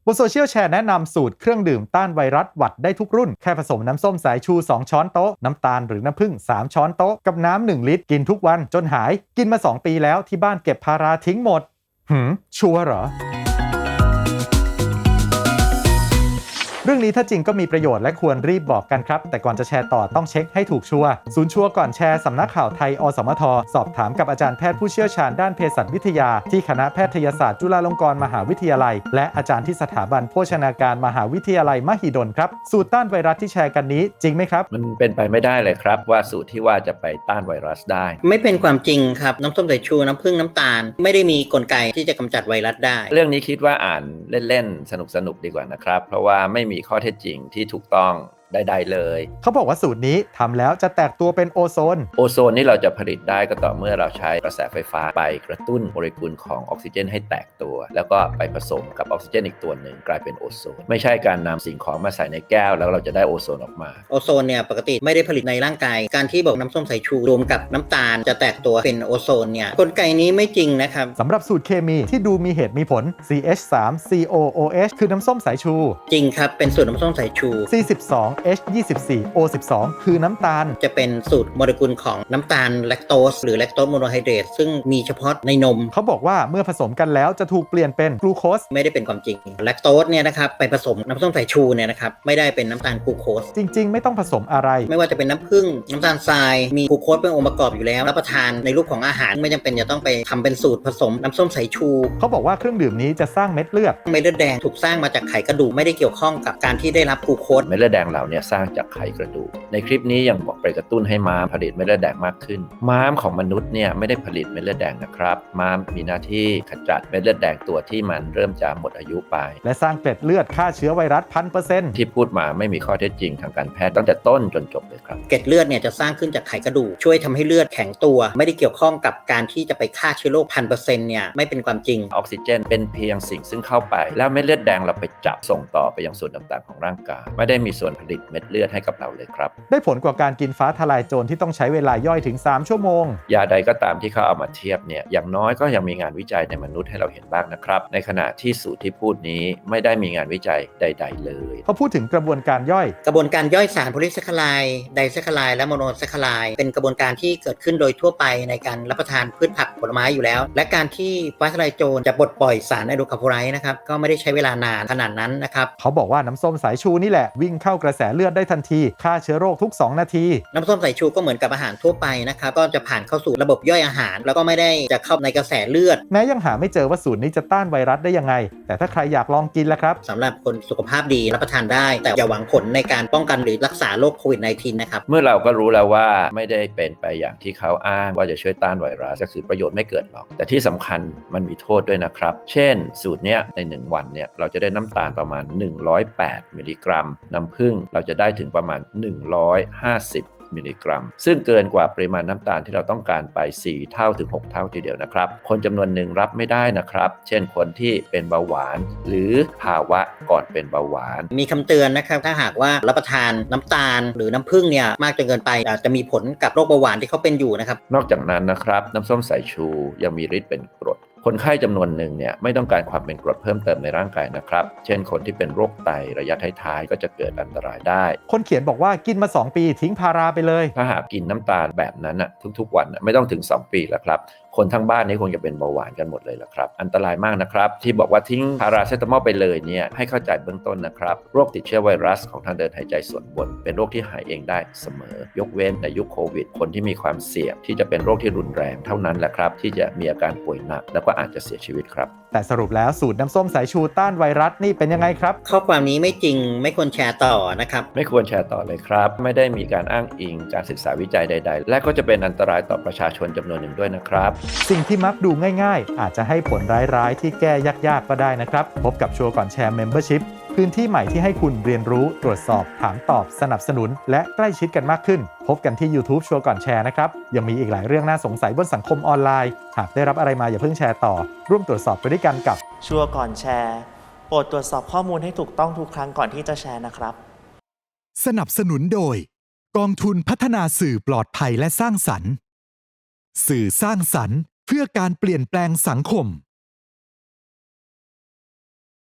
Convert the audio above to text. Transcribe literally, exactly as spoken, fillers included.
บนโซเชียลแชร์แนะนำสูตรเครื่องดื่มต้านไวรัสหวัดได้ทุกรุ่นแค่ผสมน้ำส้มสายชูสองช้อนโต๊ะน้ำตาลหรือน้ำผึ้งสามช้อนโต๊ะกับน้ำหนึ่งลิตรกินทุกวันจนหายกินมาสองปีแล้วที่บ้านเก็บพาราทิ้งหมดหืมชัวร์เหรอเรื่องนี้ถ้าจริงก็มีประโยชน์และควรรีบบอกกันครับแต่ก่อนจะแชร์ต่อต้องเช็คให้ถูกชัวร์ศูนย์ชัวร์ก่อนแชร์สำนักข่าวไทยอสมทสอบถามกับอาจารย์แพทย์ผู้เชี่ยวชาญด้านเภสัชวิทยาที่คณะแพทยศาสตร์จุฬาลงกรณ์มหาวิทยาลัยและอาจารย์ที่สถาบันโภชนาการมหาวิทยาลัยมหิดลครับสูตรต้านไวรัสที่แชร์กันนี้จริงไหมครับมันเป็นไปไม่ได้เลยครับว่าสูตรที่ว่าจะไปต้านไวรัสได้ไม่เป็นความจริงครับน้ำส้มสายชูน้ำผึ้งน้ำตาลไม่ได้มีกลไกที่จะกำจัดไวรัสได้เรื่องนี้คิดว่าอ่านเล่นๆสนุกๆดีกว่านะครับเพราะว่าไม่มีข้อเท็จจริงที่ถูกต้องใดๆเลยเขาบอกว่าสูตรนี้ทำแล้วจะแตกตัวเป็นโอโซนโอโซนนี่เราจะผลิตได้ก็ต่อเมื่อเราใช้กระแสไฟฟ้าไปกระตุ้นโมเลกุลของออกซิเจนให้แตกตัวแล้วก็ไปผสมกับออกซิเจนอีกตัวหนึ่งกลายเป็นโอโซนไม่ใช่การนำสิ่งของมาใส่ในแก้วแล้วเราจะได้โอโซนออกมาโอโซนเนี่ยปกติไม่ได้ผลิตในร่างกายการที่บอกน้ำส้มสายชูรวมกับน้ำตาลจะแตกตัวเป็นโอโซนเนี่ยกลไกนี้ไม่จริงนะครับสำหรับสูตรเคมีที่ดูมีเหตุมีผล ซี เอช สาม ซี โอ โอ เอช คือน้ำส้มสายชูจริงครับเป็นสูตรน้ำส้มสายชูซี สิบสอง เอช ยี่สิบสี่ โอ สิบสอง คือน้ำตาลจะเป็นสูตรโมเลกุลของน้ำตาลแลคโตสหรือแลคโตสโมโนไฮเดรตซึ่งมีเฉพาะในนมเขาบอกว่าเมื่อผสมกันแล้วจะถูกเปลี่ยนเป็นกลูโคสไม่ได้เป็นความจริงแลคโตสเนี่ยนะครับไปผสมน้ำส้มสายชูเนี่ยนะครับไม่ได้เป็นน้ำตาลกลูโคสจริงๆไม่ต้องผสมอะไรไม่ว่าจะเป็นน้ำผึ้งน้ำตาลทรายมีกลูโคสเป็นองค์ประกอบอยู่แล้วรับประทานในรูปของอาหารไม่จำเป็นจะต้องไปทำเป็นสูตรผสมน้ำส้มสายชูเขาบอกว่าเครื่องดื่มนี้จะสร้างเม็ดเลือดเม็ดเลือดแดงถูกสร้างมาจากไขกระดูกไม่ได้เกี่ยวข้องกับการที่ได้รับกลูโคสเม็ดเลือดแดงเหล่านี้สร้างจากไขกระดูกในคลิปนี้ยังบอกไปกระตุ้นให้ม้ามผลิตเม็ดเลือดแดงมากขึ้นม้ามของมนุษย์เนี่ยไม่ได้ผลิตเม็ดเลือดแดงนะครับม้ามมีหน้าที่ขจัดเม็ดเลือดแดงตัวที่มันเริ่มจะหมดอายุไปและสร้างเกล็ดเลือดฆ่าเชื้อไวรัส พันเปอร์เซ็นต์ที่พูดมาไม่มีข้อเท็จจริงทางการแพทย์ตั้งแต่ต้นจนจบเลยครับเกล็ดเลือดเนี่ยจะสร้างขึ้นจากไขกระดูกช่วยทำให้เลือดแข็งตัวไม่ได้เกี่ยวข้องกับการที่จะไปฆ่าเชื้อโรค พันเปอร์เซ็นต์ เนี่ยไม่เป็นความจริงออกซิเจนเป็นเพียงสิ่งซึ่งเข้าไปแล้วเม็ดเลือดแดงเราไปจับส่งต่อไปยังส่วนต่างๆของร่างกายไม่ได้มีส่วนผลิตเม็ดเลือดให้กับเราเลยครับได้ผลกว่าการกินฟ้าทลายโจรที่ต้องใช้เวลาย่อยถึงสามชั่วโมงยาใดก็ตามที่เขาเอามาเทียบเนี่ยอย่างน้อยก็ยังมีงานวิจัยในมนุษย์ให้เราเห็นบ้างนะครับในขณะที่สูตรที่พูดนี้ไม่ได้มีงานวิจัยใดๆเลยเขาพูดถึงกระบวนการย่อยกระบวนการย่อยสารโพลีแซคคาไลด์ไดแซคคาไลด์และโมโนแซคคาไลด์เป็นกระบวนการที่เกิดขึ้นโดยทั่วไปในการรับประทานพืชผักผลไม้อยู่แล้วและการที่ฟ้าทลายโจรจะปลดปล่อยสารไอโดรคาร์บอนไลด์นะครับก็ไม่ได้ใช้เวลานานขนาดนั้นนะครับเขาบอกว่าน้ำส้มสายชูนี่แหละวิ่งเข้ากระแสเลือดได้ทันทีฆ่าเชื้อโรคทุกสองนาทีน้ำส้มสายชูก็เหมือนกับอาหารทั่วไปนะครับก็จะผ่านเข้าสู่ระบบย่อยอาหารแล้วก็ไม่ได้จะเข้าในกระแสเลือดแม้ยังหาไม่เจอว่าสูตรนี้จะต้านไวรัสได้ยังไงแต่ถ้าใครอยากลองกินแล้วครับสำหรับคนสุขภาพดีรับประทานได้แต่อย่าหวังผลในการป้องกันหรือรักษาโรคโควิด สิบเก้า นะครับเมื่อเราก็รู้แล้วว่าไม่ได้เป็นไปอย่างที่เขาอ้างว่าจะช่วยต้านไวรัสก็คือประโยชน์ไม่เกิดหรอกแต่ที่สำคัญมันมีโทษด้วยนะครับเช่นสูตรเนี้ยในหนึ่งวันเนี่ยเราจะได้น้ำตาลประมาณหนึ่งร้อยแปดมิลลิกรัมน้ำผึ้งเราจะได้ถึงประมาณหนึ่งร้อยห้าสิบมิลลิกรัมซึ่งเกินกว่าปริมาณน้ำตาลที่เราต้องการไปสี่เท่าถึงหกเท่าทีเดียวนะครับคนจำนวนหนึ่งรับไม่ได้นะครับเช่นคนที่เป็นเบาหวานหรือภาวะก่อนเป็นเบาหวานมีคำเตือนนะครับถ้าหากว่ารับประทานน้ำตาลหรือน้ำผึ้งเนี่ยมากจนเกินไปอาจจะมีผลกับโรคเบาหวานที่เขาเป็นอยู่นะครับนอกจากนั้นนะครับน้ำส้มสายชูยังมีฤทธิ์เป็นกรดคนไข้จำนวนหนึ่งเนี่ยไม่ต้องการความเป็นกรดเพิ่มเติมในร่างกายนะครับเช่นคนที่เป็นโรคไตระยะท้ายๆก็จะเกิดอันตรายได้คนเขียนบอกว่ากินมาสองปีทิ้งพาราไปเลยถ้าหากกินน้ำตาลแบบนั้นนะทุกๆวันไม่ต้องถึงสองปีแล้วครับคนทั้งบ้านนี้คงจะเป็นเบาหวานกันหมดเลยละครับอันตรายมากนะครับที่บอกว่าทิ้งพาราเซตามอลไปเลยเนี่ยให้เข้าใจเบื้องต้นนะครับโรคติดเชื้อไวรัสของทางเดินหายใจส่วนบนเป็นโรคที่หายเองได้เสมอยกเว้นในยุคโควิดคนที่มีความเสี่ยงที่จะเป็นโรคที่รุนแรงเท่านั้นแหละครับที่จะมีอาการป่วยหนักแล้วก็อาจจะเสียชีวิตครับแต่สรุปแล้วสูตรน้ำส้มสายชูต้านไวรัสนี่เป็นยังไงครับข้อความนี้ไม่จริงไม่ควรแชร์ต่อนะครับไม่ควรแชร์ต่อเลยครับไม่ได้มีการอ้างอิงการศึกษาวิจัยใดๆและก็จะเป็นอันตรายต่อประชาชนจำนวนหนึ่งด้วยนะครับสิ่งที่มักดูง่ายๆอาจจะให้ผลร้ายๆที่แก้ยากๆก็ได้นะครับพบกับชัวร์ก่อนแชร์ Membership พื้นที่ใหม่ที่ให้คุณเรียนรู้ตรวจสอบถามตอบสนับสนุนและใกล้ชิดกันมากขึ้นพบกันที่ YouTube ชัวร์ก่อนแชร์นะครับยังมีอีกหลายเรื่องน่าสงสัยบนสังคมออนไลน์หากได้รับอะไรมาอย่าเพิ่งแชร์ต่อร่วมตรวจสอบไปด้วยกันกับชัวร์ก่อนแชร์โปรดตรวจสอบข้อมูลให้ถูกต้องทุกครั้งก่อนที่จะแชร์นะครับสนับสนุนโดยกองทุนพัฒนาสื่อปลอดภัยและสร้างสรรค์สื่อสร้างสรรค์เพื่อการเปลี่ยนแปลงสังคม